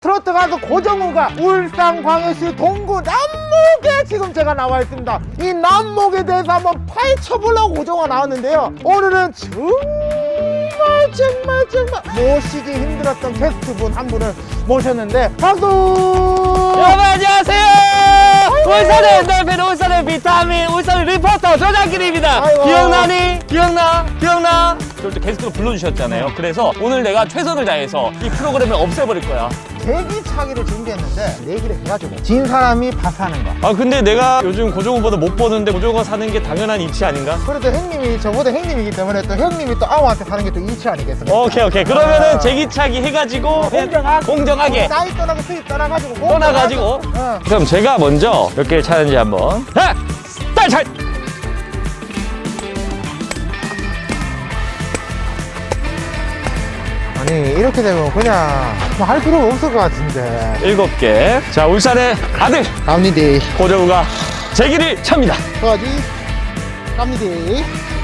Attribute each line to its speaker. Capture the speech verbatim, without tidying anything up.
Speaker 1: 트로트 가수 고정우가 울산광역시 동구 남목에 지금 제가 나와 있습니다. 이 남목에 대해서 한번 파헤쳐보려고 고정우가 나왔는데요. 오늘은 정말 정말 정말 모시기 힘들었던 게스트분 한 분을 모셨는데 박수!
Speaker 2: 여러분 안녕하세요. 울산의 엔돌핀, 울산의 비타민, 울산의 리포터 조장길입니다.
Speaker 1: 아이고.
Speaker 2: 기억나니? 기억나? 기억나? 저를 또 게스트로 불러주셨잖아요. 그래서 오늘 내가 최선을 다해서 이 프로그램을 없애버릴 거야.
Speaker 1: 대기차기를 준비했는데 내기를 해가지고 진 사람이 밥사는 거.
Speaker 2: 아 근데 내가 요즘 고종우보다 못 버는데 고종우가 사는 게 당연한 이치 아닌가?
Speaker 1: 그래도 형님이 저보다 형님이기 때문에 또 형님이 또 아우한테 사는 게 또 이치 아니겠습니까?
Speaker 2: 오케이 오케이 그러면은 제기차기 해가지고
Speaker 1: 공정하게
Speaker 2: 공정하게
Speaker 1: 나이 떠나고 수입 떠나가지고
Speaker 2: 떠나가지고
Speaker 1: 어.
Speaker 2: 그럼 제가 먼저 몇 개를 차는지 한번 자! 딸!
Speaker 1: 아니 이렇게 되면 그냥 뭐 할 필요가 없을 것 같은데.
Speaker 2: 일곱 개. 자 울산의 아들
Speaker 1: 갑니다.
Speaker 2: 고종우가 제기를 찹니다.
Speaker 1: 어디? 갑니다.